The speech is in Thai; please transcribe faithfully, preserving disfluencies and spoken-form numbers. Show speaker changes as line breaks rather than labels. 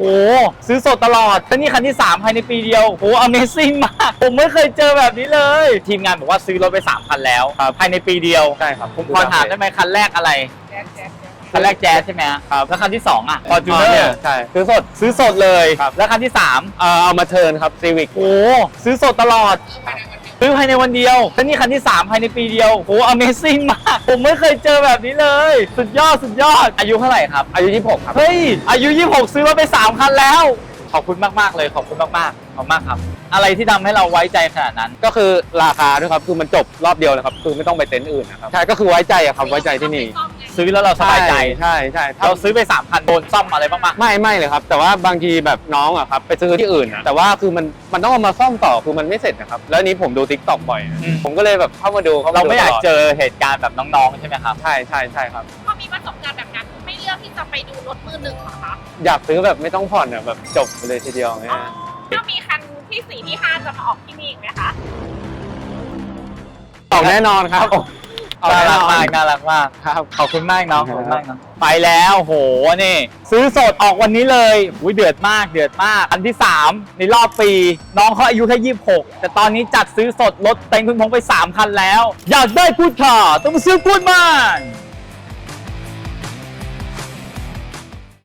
โอ้ซื้อสดตลอดแล้วนี่คันที่สามภายในปีเดียวโอ้ Amazing มากผมไม่เคยเจอแบบนี้เลยทีมงานบอกว่าซื้อรถไปสามคันแล้วภายในปีเดียว
ใช่ครับ
ผมขอถามได้ไหมคันแรกอะไรคันแรกแจ๊สใช่ไหมครับแล้วคันที่สองอ่ะ Fortuner
ใช่ซื้อสด
ซื้อสดเลยแล้วคันที่สาม
เออเอามาเทิร์นครับ Civic
โอ้ซื้อสดตลอดซื้อภายในวันเดียวแล้วนี่คันที่สามภายในปีเดียวโอ้ Amazing มากผมไม่เคยเจอแบบนี้เลยสุดยอดสุดยอดอายุเท่าไหร่ครับ
อายุยี่สิบหกครับ
เฮ้ยอายุยี่สิบหกซื้อรถไปสามคันแล้วขอบคุณมากๆเลยขอบคุณมากๆขอบมากครับอะไรที่ทำให้เราไว้ใจขนาดนั้น
ก็คือราคาด้วยครับคือมันจบรอบเดียวเลยครับคือไม่ต้องไปเต็นท์อื่นนะครับใช่ก็คือไว้ใจอะครับไว้ใจที่นี่
ซื้อแล้วเราสบายใจ
ใช่ใช่
เราซื้อไปสามคันโดนซ่อมอะไรบ้างไหม
ไม่ไม่เลยครับแต่ว่าบางทีแบบน้องอะครับไปซื้อที่อื่นนะแต่ว่าคือมันมันต้องเอามาซ่อมต่อคือมันไม่เสร็จนะครับแล้วนี้ผมดู ติ๊กต็อก บ่อยผมก็เลยแบบเข้ามาดู
เราไม่อยากเจอเหตุการณ์แบบน้องๆใช่ไหมครับ
ใช่ใช่ใช่ครับ
พอมีประสบการณ์แบบนั้นไม่เลือกที่จะไปดูรถมือหนึ่งเหรอคะ
อยากซื้อแบบไม่ต้องผ่อนอะแบบจบเลยทีเดียวเนี่ย
ถ้ามีคันที่สี่ที่ห้าจะมาออกที่นี่อีกไหมคะ
ออกแน่นอนครับ
น่ารักมากน่ารักมาก
ครับ
ขอบคุณมากน้องขอบคุณมากน้องไปแล้วโหนี่ซื้อสดออกวันนี้เลยอุ้ยเดือดมากเดือดมากอันที่สามในรอบปีน้องเขาอายุแค่ยี่สิบหกแต่ตอนนี้จัดซื้อสดรถเต็งคุณพงไปสามคันแล้วอยากได้พูดค่ะต้องมาซื้อพูดมัน